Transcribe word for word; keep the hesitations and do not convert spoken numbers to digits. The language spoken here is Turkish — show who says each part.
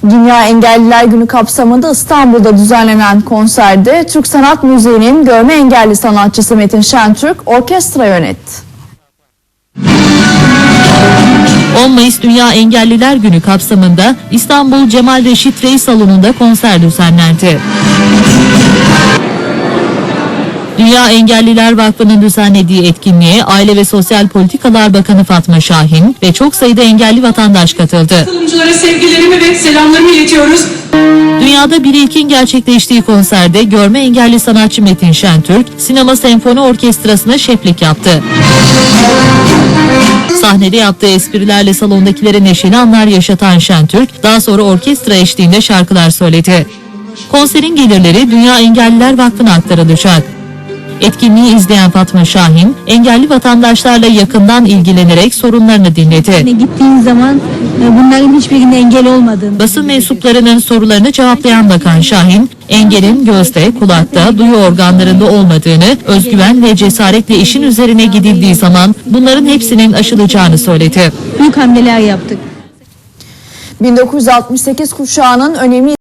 Speaker 1: Dünya Engelliler Günü kapsamında İstanbul'da düzenlenen konserde Türk Sanat Müziği'nin görme engelli sanatçısı Metin Şentürk orkestra yönetti.
Speaker 2: on Mayıs Dünya Engelliler Günü kapsamında İstanbul Cemal Reşit Rey Salonu'nda konser düzenlendi. Dünya Engelliler Vakfı'nın düzenlediği etkinliğe Aile ve Sosyal Politikalar Bakanı Fatma Şahin ve çok sayıda engelli vatandaş katıldı.
Speaker 3: Katılımcılara sevgilerimi ve selamlarımı iletiyoruz.
Speaker 2: Dünyada bir ilkin gerçekleştiği konserde görme engelli sanatçı Metin Şentürk, Sinema Senfoni Orkestrası'na şeflik yaptı. Sahnede yaptığı esprilerle salondakilere neşeli anlar yaşatan Şentürk, daha sonra orkestra eşliğinde şarkılar söyledi. Konserin gelirleri Dünya Engelliler Vakfı'na aktarılacak. Etkinliği izleyen Fatma Şahin, engelli vatandaşlarla yakından ilgilenerek sorunlarını dinledi.
Speaker 4: Gittiğin zaman bunların hiçbirinde engel olmadığını.
Speaker 2: Basın mensuplarının sorularını cevaplayan Bakan Şahin, engelin gözde, kulakta, duyu organlarında olmadığını, özgüven ve cesaretle işin üzerine gidildiği zaman bunların hepsinin aşılacağını söyledi.
Speaker 4: Büyük hamleler yaptık.
Speaker 1: bin dokuz yüz altmış sekiz kuşağının önemli